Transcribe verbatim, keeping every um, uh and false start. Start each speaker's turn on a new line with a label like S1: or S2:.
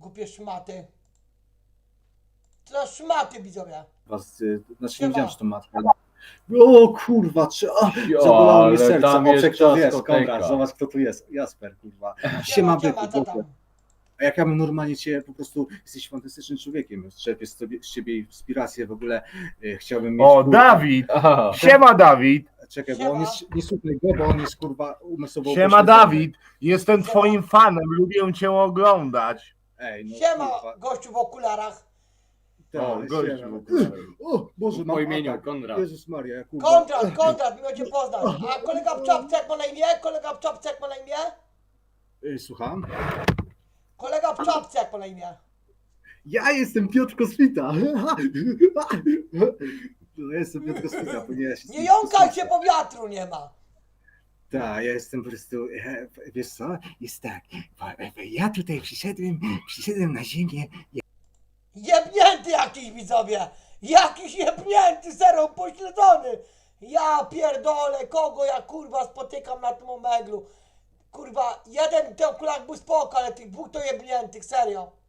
S1: kupię szmaty. To szmaty, widzowie.
S2: Was, y, znaczy
S1: Siema.
S2: nie wiedziałem, że to matka. ale- O kurwa, czy... A,
S3: Jo,
S2: zabolało mnie
S3: ale
S2: serce.
S3: tam
S2: O,
S3: jest
S2: kto jest,
S3: dyskoteka.
S2: Konrad, zobacz kto tu jest. Jasper, kurwa.
S1: Siema,
S2: Siema,
S1: siema,
S2: byku,
S1: co
S2: Boże.
S1: tam?
S2: A jak ja bym normalnie cię, po prostu jesteś fantastycznym człowiekiem. Czerpię z, tobie, z ciebie inspirację w ogóle. Y, chciałbym mieć...
S4: O,
S2: kurwa-
S4: Dawid!
S3: Aha.
S4: Siema, Dawid!
S2: Czekaj, bo
S1: Siema.
S2: on jest... Nie słuchaj go, bo on jest kurwa umysłowo...
S4: Siema,
S2: upośledzony.
S4: Dawid! Jestem twoim fanem, lubię cię oglądać.
S2: Ej, no
S1: Siema,
S2: kurwa.
S1: gościu w okularach.
S2: Tak,
S4: O, gościu.
S2: siema. O, Boże,
S3: Po
S2: mam
S3: imieniu
S2: atak.
S3: Konrad.
S2: Jezus Maria, kurwa.
S1: Konrad, Konrad, miło cię poznać. A kolega w czapce jak ma na imię? Kolega w czapce jak ma na imię?
S2: Y, Słucham?
S1: Kolega w czapce jak ma na imię?
S2: Ja jestem Piotr Kosmita. No, ja jestem Piotr Kosmita, ponieważ...
S1: Nie jąkaj się, bo wiatru nie ma.
S2: Tak, ja jestem po prostu, e, wiesz co, jest tak, ja tutaj przyszedłem, przyszedłem na ziemię,
S1: Jebnięty jakiś, widzowie. Jakiś jebnięty, zero pośledzony. Ja pierdolę, kogo ja kurwa spotykam na tym omeglu. Kurwa, jeden w tych okularach był spoko, ale tych dwóch to jebniętych, serio.